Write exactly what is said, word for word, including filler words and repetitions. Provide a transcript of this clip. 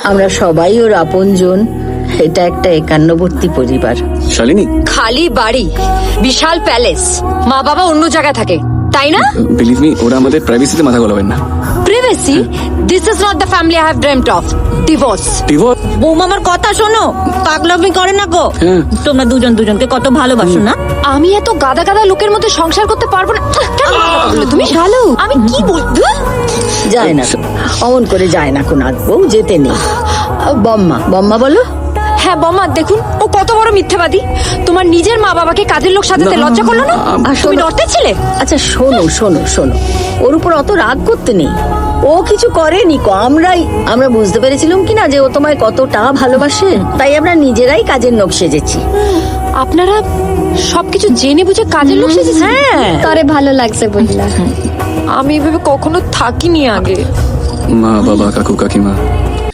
আমরা সবাই ওর আপনজন। এটা একটা একান্নবর্তী পরিবার। শালিনী, খালি বাড়ি, বিশাল প্যালেস, মা বাবা অন্য জায়গায় থাকে, তাই না? বিলিভ মি, ওরা আমাদের প্রাইভেসিতে মাথা গলাবেন না। Privacy? This is not the family I have dreamed of. Divorce. Divorce? বৌমা আমার কথা শোনো, পাগলামি করে না গো। হ্যাঁ। তোমরা দুজন দুজনকে কত ভালোবাসো না? আমি এত গাদা গাদা লোকের মধ্যে সংসার করতে পারবো না। কেন কথা বললে তুমি? শালু, আমি কি বলবো? যায় না, অমন করে যায় না কোন বউ, যেতে নেই। বম্মা, বম্মা বলো। হ্যাঁ বমা, দেখুন ও কত বড় মিথ্যাবাদী। তোমার নিজের মা বাবাকে কাজের লোক সাজাতে না, লজ্জা করলো না? আর তুমি শোনো- নর্থের ছেলে। আচ্ছা শোনো শোনো শোনো, ওর উপর অত রাগ করতে নেই। ও কিছু করেনি কো, আমরাই আমরা বুঝতে পেরেছিলাম কি না যে ও তোমায় কতটা ভালোবাসে, তাই আমরা নিজেরাই কাজের লোক সেজেছি। আপনারা সবকিছু জেনে বুঝে কাজের লোক সেজেছেন? হ্যাঁ, তরে ভালো লাগছে বললা। আমি এভাবে কখনো থাকিনি আগে। মা বাবা কাকু কাকিমা